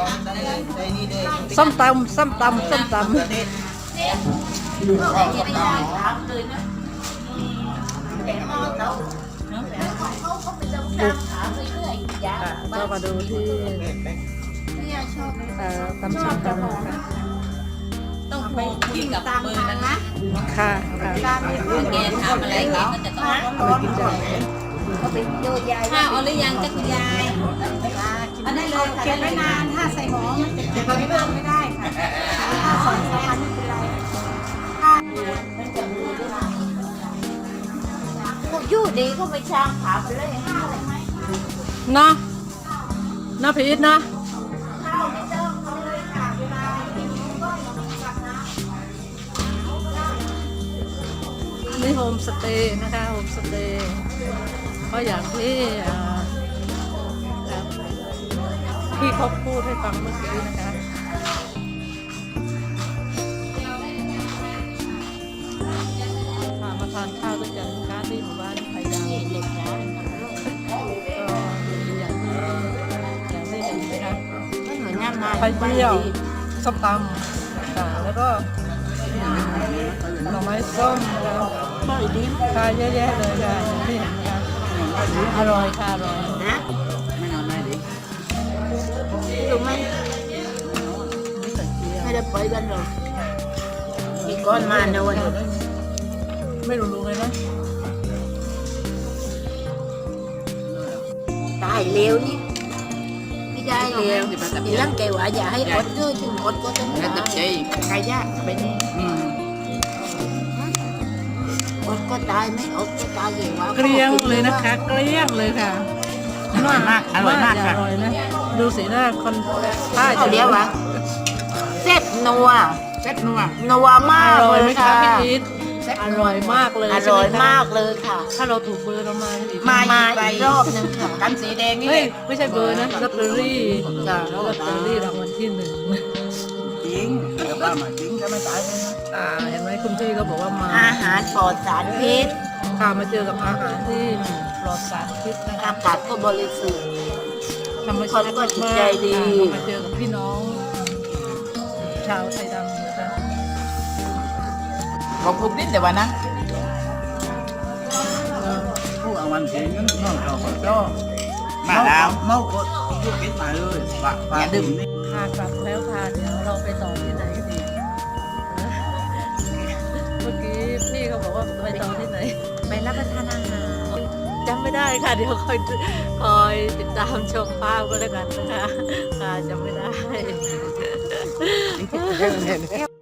ส้มตำส้มตำส้มตำก็มาดูที่ตำส้มตำนะคะต้องไปคุยกับเบอร์นั้นนะค่ะแกทำอะไรแกก็จะต้องเขาเป็นโยยายข้าวเอาหรือยังจ้ะคุณยายอันนั้นเลยเก็บไว้นานถ้าใส่หม้อมันจะเก็บไว้นานไม่ได้ค่ะถ้า2 วันไม่เป็นไรพวกยู่ดีก็ไปช่างขาไปเลยข้าวเลยไหมเนาะเนาะพีทเนาะข้าวไม่ต้องเอาเลยค่ะเวลากินก็อย่ามากัดนะนี่โฮมสเตย์นะคะโฮมสเตย์ก็อย่างที่ที่เขาพูดให้ฟังเมื่อกี้นะคะมาทานข้าวด้วยกันนะคะที่หมู่บ้านไทยดาวเด็กนะก็อย่างที่เห็นนะคะไปเที่ยวส้มตำค่ะแล้วก็หน่อไม้ส้มแล้วค่ะเยอะแยะเลยค่ะอย่างที่เห็นนะคะอร่อยค่ะอร่อยนะไม่นอนไม่ดีรู้ไหมไม่ได้ไปกันหรอกมีก้อนมาเนอะวันไม่รู้เลยนะตายเร็วนี่ไม่ได้เร็วทีหลังแกว่าอย่าให้อดด้วยถึงอดก็ต้องตายใครยากเป็นอดก็ตายไม่อดก็ตายเลยว่าเกลี้ยงเลยนะคะเกลี้ยงเลยค่ะอร่อยมากอร่อยมากค่ะอร่อยนะดูสีหน้าคนใต้เขาเรียกว่าเซ็ตนัวนัวมากเลยค่ะพี่พีทอร่อยมากเลยอร่อยมากเลยค่ะถ้าเราถูกเบอร์เรามาอีกรอบนึงค่ะกันสีแดงนี่ไม่ใช่เบอร์นะลอตเตอรี่จ้ะลอตเตอรี่รางวัลที่1 จริงแต่ว่ามาจริงจะไม่ตายเลยนะเห็นไหมคุณพี่ก็บอกว่ามาอาหารปลอดสารพิษค่ะมาเจอกับอาหารที่ปลอดสารพิษนะคะอากาศก็บริสุทธิ์ธรรมชาติก็จิตใจดีมาเจอกับพี่น้องชาวไทยดำนะคะขอบคุณนิดเดี๋ยววันนะผู้เอาวันเสียงนั้นนอกจากก็มาแล้วเมาก็พูดกินมาเลยอย่าดื่มนี่ค่ะกลับแล้วค่ะเดี๋ยวเราไปต่อที่ไหนดีเมื่อกี้พี่เขาบอกว่าไปต่อที่ไหนไปรับประทานอาหารจำไม่ได้ค่ะเดี๋ยวคอยติดตามชมภาพก็แล้วกันนะคะค่ะจำไม่ได้